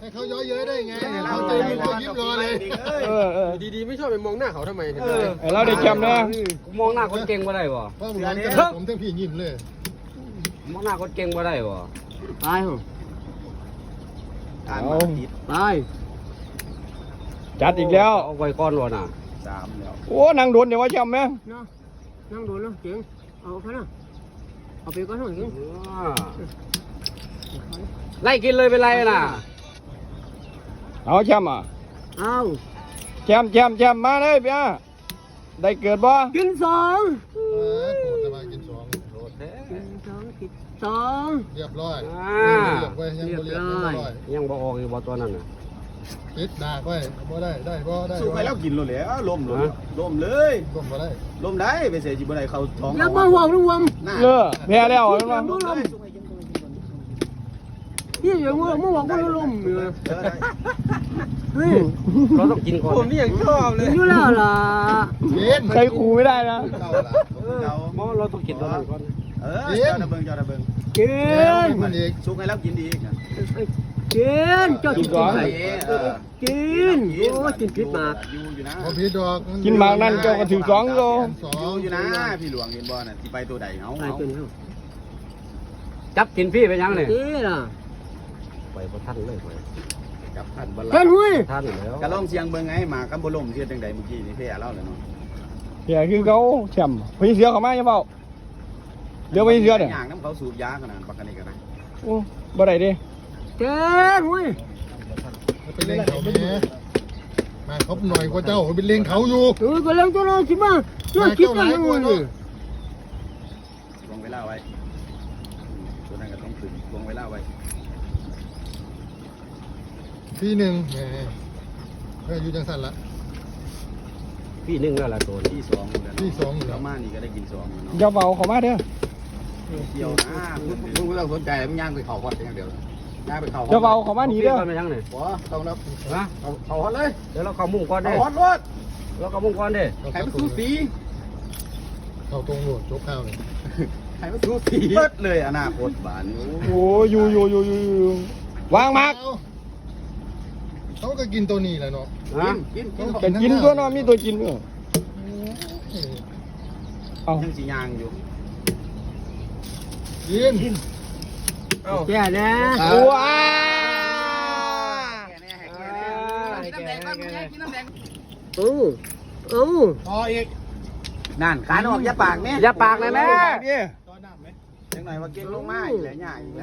เขาย้อยเย้ยได้ไงเขาใจยิ้มยิ้มรอเลยดีๆไม่ชอบไปมองหน้าเขาทำไมเราได้แชมป์นะมองหน้าคนเก่งบ่ได้บ่เพราะผมร้อนกันผมทั้งพี่ยิ้มเลยมองหน้าคนเก่งบ่ได้บ่ตายเหรอตายจัดอีกแล้วเอาไว้ก้อนวะน่ะ 3แล้วโอ้นางโดนเดี๋ยวว่าแชมป์ไหมนั่งโดนแล้วเจ๋งเอาไปนะเอาไปก้อนหน่อยเจ๋งไล่กินเลยเป็นไรน่ะเอาแชมป์อ่ะเอาแชมป์มาเลยพี่ได้เกิดบ่กิน2 โกรธจะมากิน2โกรธ 2 เรียบร้อยยังบ่ออกอยู่บ่ตัวนั้นน่ะติดดากไว้บ่ได้บ่ได้สู้ไปแล้วกินเลยล้มเลยล้มบ่ได้ล้มได้ไปเสียจีบ่ได้เขาท้องอย่ามาห่วงระวังแพ้แล้วเห็นบ่นี่อย่างว่าเมื่อวานก็ล้มเลยเราต้องกินก่อนผมนี่ยังชอบเลยอยู่แล้วล่ะใครขู่ไม่ได้นะเราต้องกินก่อนเจ้าระเบิงกินมันอีกสู้ให้แล้วกินดีกินเจ้ากินใส่กินโอ้กินพิษมากอยู่นะพิษดอกกินมากนั่นเจ้าก็ถือ2โลอยู่นะพี่หลวงเห็นบ่น่ะที่ไปตัวใดเขาจับกินพี่ไปยังเนี่ยไปพอท่านเลยไปจับท่านบอลท่านแล้วกระล่องเสียงเบิ่งไงมากับบ่ลมเสียจังใดเมื่อกี้นี่แพ้แล้วเนาะแพ้คือเขาแชมป์พี่เสือเข้ามาอย่าเฝ้าเดี๋ยวพี่เสือเนี่ยย่างน้ำเขาสูบยาขนาดปากกันนี่ก็ได้โอ้บ่ได้ดิเจ้หุ้ยไปเล่นเขาแม่มาเขาหน่อยกว่าเจ้าไปเล่นเขาอยู่ก็เล่นตัวน้อยสิมาช่วยคิดกันยังไงนี่วงเวลาไว้ตัวนั้นก็ต้องถึงวงเวลาไว้พี่1อยู่จังสั่นละพี่1แล้วล่ะตัวพี่2แล้วมานี่ก็ได้กิน2 อย่าเฝ้าเข้ามาเด้อเที่ยวนะมึงไม่ต้องสนใจมึงย่างไปเขาฮอตอย่างเดียวย่างไปเขาอย่าเฝ้าเข้ามาหนีเด้อไปยังเนี่ยต้องรับนะเขาฮอตเลยเดี๋ยวเราเข้ามุ่งก่อนเด้ฮอตรถเราเข้ามุ่งก่อนเด้ใครมาสู้สีเขาตรงโหลดจบข้าวเลยใครมาสู้สีเปิดเลยอนาคตบ้านโอ้อยู่วางมากเขาก็กินตัวนี้แหละเนาะกินตัวเนาะมีตัวกินเนาะเอายังสียางอยู่กินแก่นะว้าพออีกนั่นขาออกอย่าปากแม่อย่าปากเลยแม่ยังหน่อยว่าเก่งลงมาอีกแล้วง่ายอีกแล้ว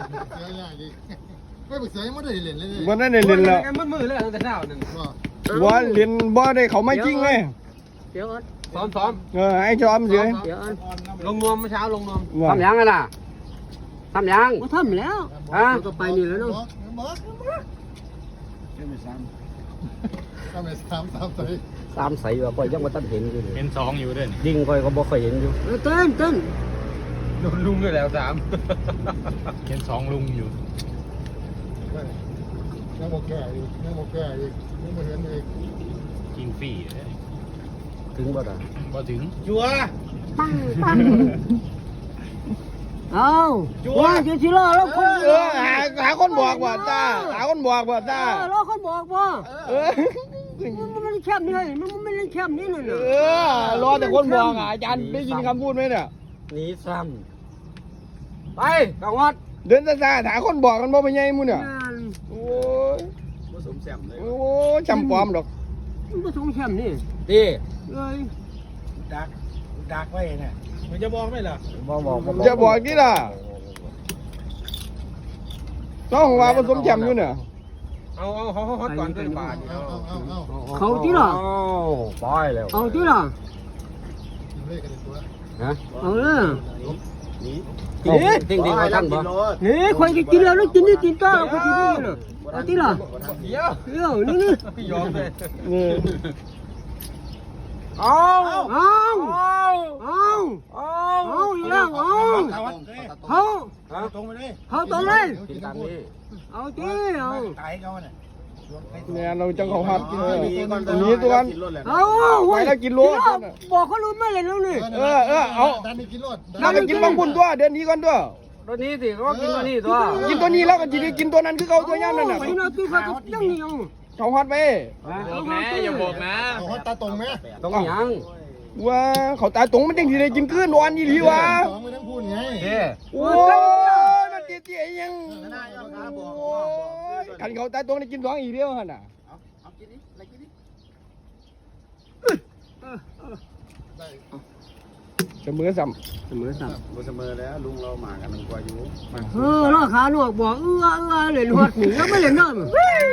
ไม่ไปเสียไม่ได้เล่นเลยวันนั้นได้เล่นแล้วมันมือเลยตั้งแต่เช้านั่นว่าเล่นบ่ได้เขาไม่จริงเลยเดี๋ยวซ้อมไอ้ซ้อมเฉยลงนวมเมื่อเช้าลงนวมทำยังไงล่ะทำยังทำแล้วก็ไปนี่แล้วเนาะ 3 ใส่ว่าปล่อยยังมาตั้งเห็นอยู่เห็น2อยู่ด้วยยิงปล่อยก็บ่เคยเห็นอยู่เต้นโดนลุงด้วยแล้ว 3เห็น2ลุงอยู่ยังโมแก่อีกยังโมเห็นอีกกินฟรีถึงบ่ได้บ่ถึงจัวเอาว่าจะชิล่าแล้วคนหาคนบอกว่าตาหาคนบอกว่าตาแล้วคนบอกว่ามันไม่ได้แคบนี่มันไม่ได้แคบนี่เลยรอแต่คนบอกอาจารย์ได้ยินคำพูดไหมเนี่ยหนีซ้ำไปกังวัดเดินซาหาคนบอกกันบ่ไปไงมึงเนี่ยโอ้ยผสมแซมเลยโอ้จำความดอกมันผสมแซมนี่ดีเลยดักไว้เนี่ยมันจะบอกไหมล่ะจะบอกกี่ล่ะต้องว่าผสมแชมป์อยู่เนี่ยเอาเขาก่อนเป็นบาทเขาที่หรอปล่อยแล้วเอาที่หรอเอาเลยจริงเขาท่านบ่นี่ใครจะกินแล้วกินนี่กินก็เขากินนี่เลยเอาที่หรอเดี๋ยวนี่ยอมเลยเอาอีกแล้วเขาตรงไปเลยเขาตรงเลยเอาที่เอาตายเขาเนี่ยเราจังเขาหัดนี้ตัวกันเอาไว้แล้วกินรถบอกเขารู้ไม่เลยแล้วนี่เอาดันไปกินบางบุญตัวเดินนี้ก่อนตัวตัวนี้สิก็กินตัวนี้ตัวกินตัวนี้แล้วก็จะได้กินตัวนั้นคือเขาตัวย่ำนั่นน่ะไปนอนกินข้าวยังเหนียวเขาฮอตไปบอกนะอย่าบอกนะเอาฮอตตาตรงไหมต้องยังว่าเขาตายตรงมันจังสิได้กินคืนวันยี่หลีวะสองไม่ต้องพูดไงเด้โอ้ยมันเตี้ยๆยังคันเขาตายตรงได้กิน2อีกเดียวหั่นน่ะเอากินนี่อะไรกินนี่ได้เสมอซ้เสมอสับบ่เสมอแล้วลุงเรามากันมันกว่าอยู่ล่อขาหนวกบอกเล่นหัดหนีแล้วไม่เล่นน้ำ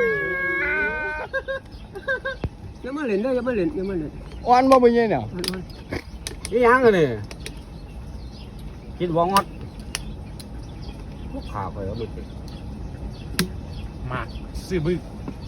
ยังไม่เล่นได้ยังไม่เล่นำอ่อนบ่เป็นไงเนี่ยนี่ยังกันนี่กินวองอดลูกขาไปแล้วมึงมาซื้อบึ้ง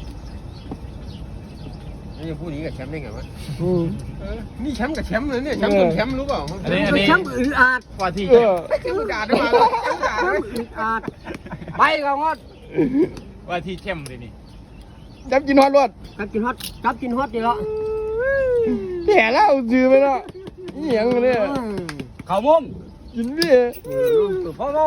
นี่พูดนี้กับแชมป์ได้ไงวะนี่แชมป์กับแชมป์เลยเนี่ยแชมป์กับแชมป์รู้เปล่าอันนี้ช้ำอึดอัดกว่าที่เออแชมป์ด่าได้มาช้ำอึดอัดไปกับงอดว่าที่แชมป์เลยนี่จับกินฮอตรถกับกินฮอตดีละแย่แล้วซื้อไปเนาะนี่หยังเนี่ยเขามุมกินพี่พ่อโล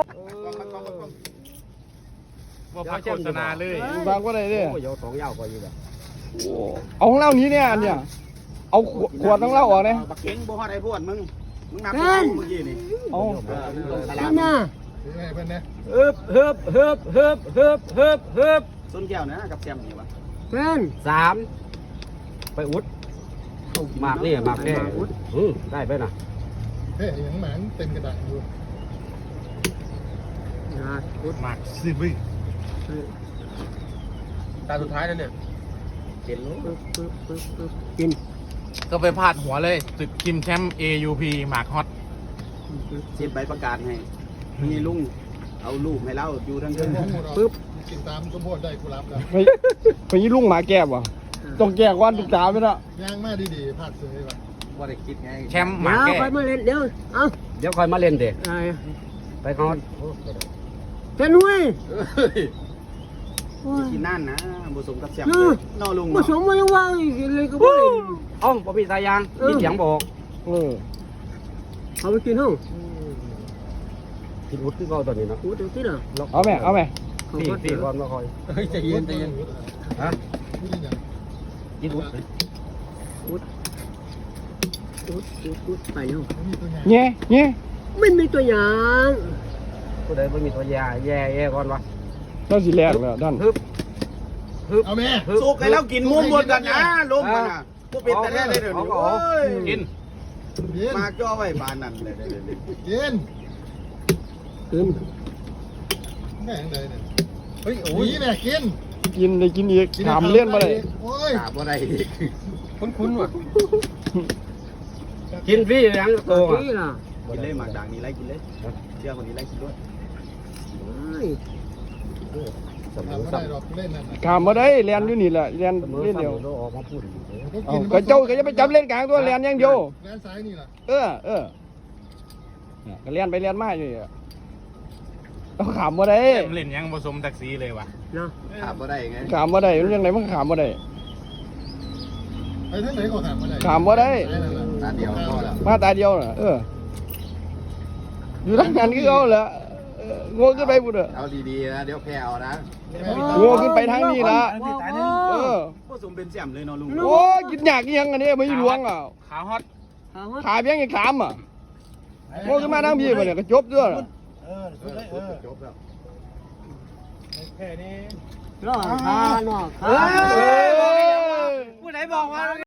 ว่าพระโฆษณาเลยบางก็ได้เด้โอ้ยสองยาวกว่าอยู่แบบเอาของเล่านี้เนี่ยอันเนี่ยเอาขวดของเล่าออกเนี่ยบักเก่งบ่ฮอดไอ้พวดมึงนับเมื่อกี้นี่เอานั่นน่ะถือให้เพื่อนนะเฮิบต้นแก้วนะกับแซมนี่วะเพื่อน 3ไปอุดหมากนี่หมากแก่ได้ไปนะเฮ้ยยังหมานเต็มกระดาษอยู่มากซื้อบึ้งตาสุดท้ายแล้วเนี่ยกินรู้กินก็ไปพาดหัวเลยศึกคิมแชมป์ AUP หมากฮอตเซ็นใบประกาศให้มีลุงเอารูปให้เราอยู่ทั้งเดิคืนนห้องเรากินตามสมบูรณ์ได้กูรับแล้วไปยี่ลุงหมาแก้บวะต้องแก้ก่อนทุกตาไปละย่างมาดีๆพลาดเสยว่ะว่าได้คิดไงแชมป์หมาเดี๋ยวแก่ไปมาเล่นเดี๋ยวเอาเดี๋ยวคอยมาเล่นเด็กไอ้ไปงอดเจ้าหนุ่ยกินนั่นนะผสมกับแซมนอลุงผสมมายังว่าเลยก็บ่เล่นอ้อมบ่มีสายยางมีเสียงบอกเอาไปกินห้องกินอุดที่เขาตอนนี้เนาะกูจะกินอ่ะเอาไหมเอาไหมพี่ก่อนมาคอยใจเย็นฮะพูดยังกินอุดกูไปแล้วมีตัวใหญ่เงี้ยเงี้ยไม่มีตัวอย่างผู้ใดไม่มีตัวยาแย่ก่อนวะเราสิแลกแล้วด้านเอาแม่สุกให้เรากินมุมหมดกันนะลุงกันนะผู้เป็นแต่แท้เลยเดี๋ยวนี้กินเย็นมาจ่อไว้บานนั่นเลยเย็นกินแม่งเลยเนี่ยเฮ้ยโอ้ยแม่กินกินได้กินอีกถามเล่นมาเลยโอ้ยกราบว่าได้คุ้นๆว่ะกินฟรียังโตอ่ะนี่ล่ะกินเลยหมากด่างนี่ไล่กินเลยเชื่อคนนี้ไล่กินด้วยสมทำมไม่ติได้หรอกเล่นนั่นถามมาได้เรียนอยู่นี่แหละเรียนเสมอเล่นเดียวออกมาพูดเอาก็เจ้าก็จะไปจับเล่นกลางตัวเรียนอย่างเดียวแลนซ้ายนี่ล่ะเออก็เรียนไปเรียนมาอยู่นี่ต้องขามมาได้แชมป์เล่นยังผสมแท็กซี่เลยว่ะเนาะกราบว่าได้ไงขามมาได้มันยังไงมันขามมาได้ไปทั้งไหนก็ถามมาได้ขามมาได้ตาเดียวพอแล้วมาตาเดียวน่ะอยู่ทางนั้นก็เอาแหละโง่ขึ้นไปบุตรเอาดีๆนะเดี๋ยวแพ้เอานะโง่ขึ้นไปทางนี้ละเออผสมเป็นแซมเลยเนาะลุงโอ้กินยากยังอันนี้ไม่หลวงอ่ะขาฮอตขาเพียงอีก3อ่ะโง่ขึ้นมาทางพี่มาเนี่ยก็จบด้วยจบแล้วรอดขาเนาะขาเฮ้ยผู้ใดบอกว่า